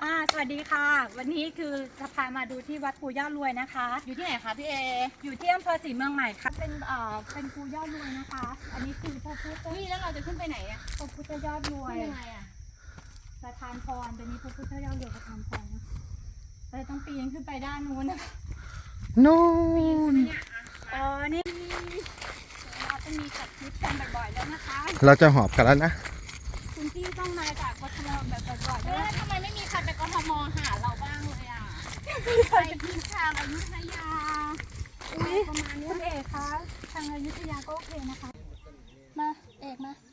สวัสดีค่ะวันนี้คือจะพามาดูที่วัดปูย่ารวยนะคะอยู่ที่ไหนคะพี่เออยู่ที่อำเภอศรีเมืองใหม่ค่ะเป็นปูย่ารวยนะคะ อันนี้คือพระพุทธนี่แล้วเราจะขึ้นไปไหนอ่ะพระพุทธยอดรวยยังไงอ่ะประทานพรตัวนี้พระพุทธยอดรวยประทานพรเราต้องปีนขึ้นไปด้านนู้นนะคะนู่นนี่เราต้องมีจัดทริปกันบ่อยๆแล้วนะคะเราจะหอบกันแล้วนะคุณพี่ต้องมาจากกทมแบบบ่อยๆแล้วทำไมไม่มีใครไปกทมหาเราบ้างเลยอ่ะไปที่ทางอยุธยาประมาณนี้เอกคะทางอยุธยาก็โอเคนะคะมาเอกมา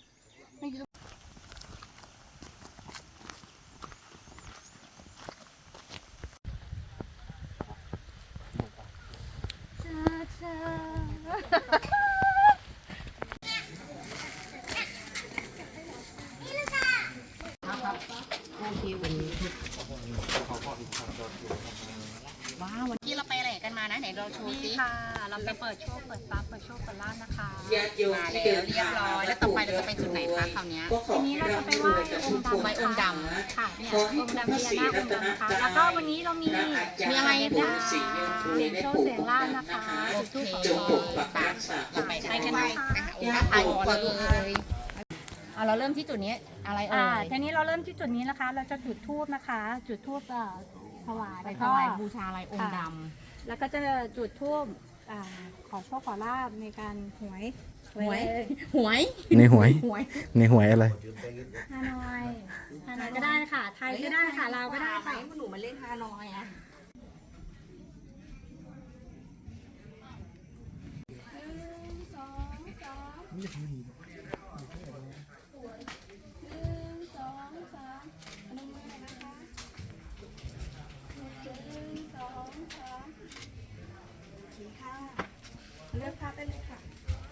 ว้าววันนี้เราไปอะไรกันมานะไหนเราโชว์สิค่ะเราไปเปิดโชว์เปิดฟ้าเปิดโชว์เปิดลาดนะคะมาแล้วเรียบร้อยแล้วต่อไปเราจะไปจุดไหนคะคราวนี้ทีนี้เราจะไปไหว้องค์ดำค่ะเนี่ยองค์ดำพญานาคองค์ดำนะคะแล้วก็วันนี้เรามีอะไรบ้างเสียงโชว์เสียงลาดนะคะจุดทูปขอพรเราไปกันเลยถ่ายก่อนเลยเราเริ่มที่จุดนี้อะไรทีนี้เราเริ่มที่จุดนี้นะคะเราจะจุดทูบนะคะจุดทูบถวายบูชาอะไรองค์ดำแล้วก็จะจุดทูบขอโชคขอลาบในการหวยในหวยอะไรฮานอยก็ได้ค่ะไทยก็ได้ค่ะลาวก็ได้ค่ะหนูมาเล่นฮานอยอ่ะเลือกภาพได้เลยค่ะ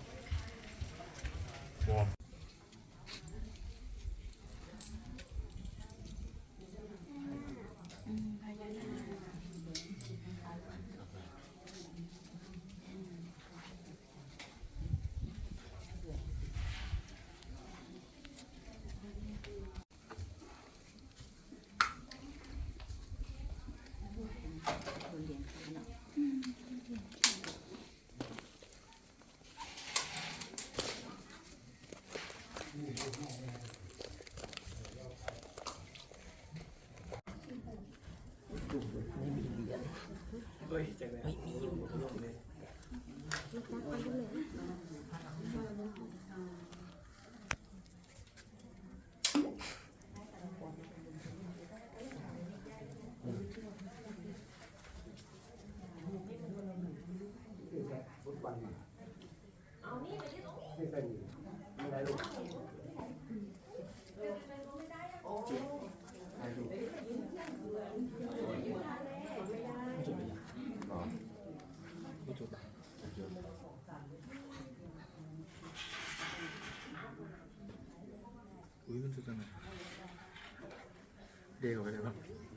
เด็กออกไปเลยป่ะ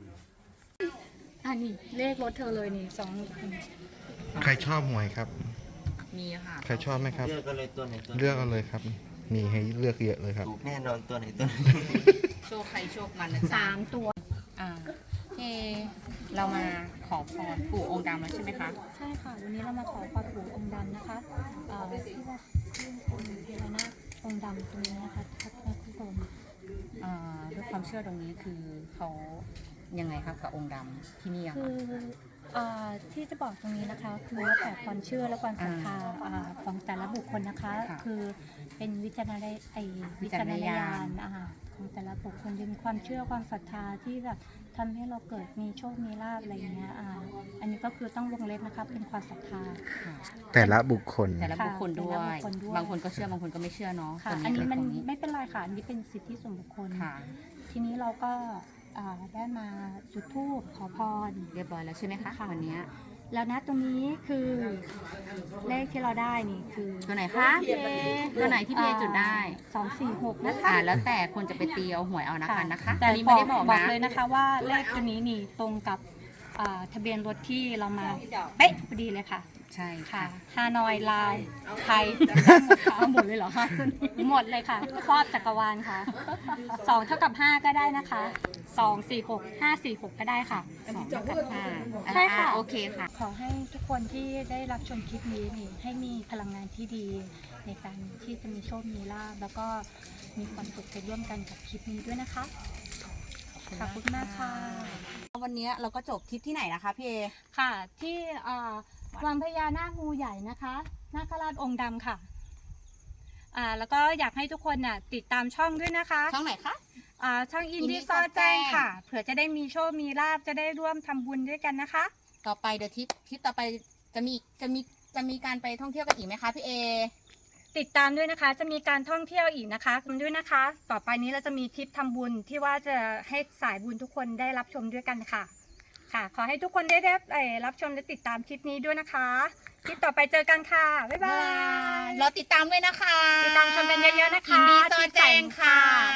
นี่เลขรถเธอเลยนี่ใครชอบหวยครับมีค่ะใครชอบไหมครับเลือกกันเลยตัวไหนตัวเลือกเอาเลยครับมีให้เลือกเยอะเลยครับถูกแน่นอนตัวไหนตัวไหนโชคใครโชคมันนะ 3 ตัวเรามาขอพรปู่องค์ดำแล้วใช่ไหมคะใช่ค่ะวันนี้เรามาขอพรปู่องค์ดำนะคะที่ว่าองค์พญานาคองค์ดำตรงนี้นะคะท่านผู้ชมด้วยความเชื่อตรงนี้คือเขายังไงคะกับองค์ดำที่นี่คือที่จะบอกตรงนี้นะคะคือแล้วแต่ความเชื่อและความศรัทธาของแต่ละบุคคลนะคะคือเป็นวิจารณญาณของแต่ละบุคคลเป็นความเชื่อความศรัทธาที่แบบทำให้เราเกิดมีโชคมีลาภอะไรอย่างเงี้ยอันนี้ก็คือต้องวงเล็บนะคะเป็นความศรัทธาแต่ละบุคคลด้วยบางคนก็เชื่อบางคนก็ไม่เชื่อเนาะอันนี้มันไม่เป็นไรค่ะอันนี้เป็นสิทธิส่วนบุคคลทีนี้เราก็ได้มาจุดธูปขอพรเรียบร้อยแล้วใช่ไหมคะวันนี้แล้วนะตรงนี้คือเลขที่เราได้นี่คือตัวไหนคะตัวไหนที่พี่จุดได้ 246นะคะแล้วแต่คนจะไปตีเอาหวยเอานะคะแต่นี้ไม่ได้บอกเลยนะคะว่าเลขตัวนี้นี่ตรงกับทะเบียนรถที่เรามาเป๊ะพอดีเลยค่ะใช่ค่ะค่ะฮานอยลาวไทยหมดเลยเหรอคะหมดเลยค่ะครอบจักรวาลค่ะ2 เท่ากับ 5 ก็ได้นะคะ2 4 6 5 4 6 ก็ได้ค่ะ 2 ใช่ค่ะโอเคค่ะขอให้ทุกคนที่ได้รับชมคลิปนี้นี่ให้มีพลังงานที่ดีในการที่จะมีโชคมีลาภแล้วก็มีความสุขไปร่วมกันกับคลิปนี้ด้วยนะคะ ขอบคุณมากค่ะวันนี้เราก็จบทริปที่ไหนนะคะพี่เอค่ะที่วังพญานาคงูใหญ่นะคะนาคราชองค์ดำค่ะแล้วก็อยากให้ทุกคนน่ะติดตามช่องด้วยนะคะช่องไหนคะช่องอิน Indie ดี้ซอซอแจ้แจ้งงค่ะเผื่อจะได้มีโชคมีลาภจะได้ร่วมทำบุญด้วยกันนะคะต่อไปเดี๋ยวทริปต่อไปจะมีการไปท่องเที่ยวกันอีกไหมคะพี่เอติดตามด้วยนะคะจะมีการท่องเที่ยวอีกนะคะด้วยนะคะ ต่อไปนี้เราจะมีทริปทำบุญที่ว่าจะให้สายบุญทุกคนได้รับชมด้วยกันค่ะ ค่ะ ขอให้ทุกคนได้รับชมและติดตามคลิปนี้ด้วยนะคะคลิปต่อไปเจอกันค่ะบ๊ายบายเราติดตามด้วยนะคะติดตามชมกันเยอะๆนะคะอินดี้ซอแจ้งค่ะ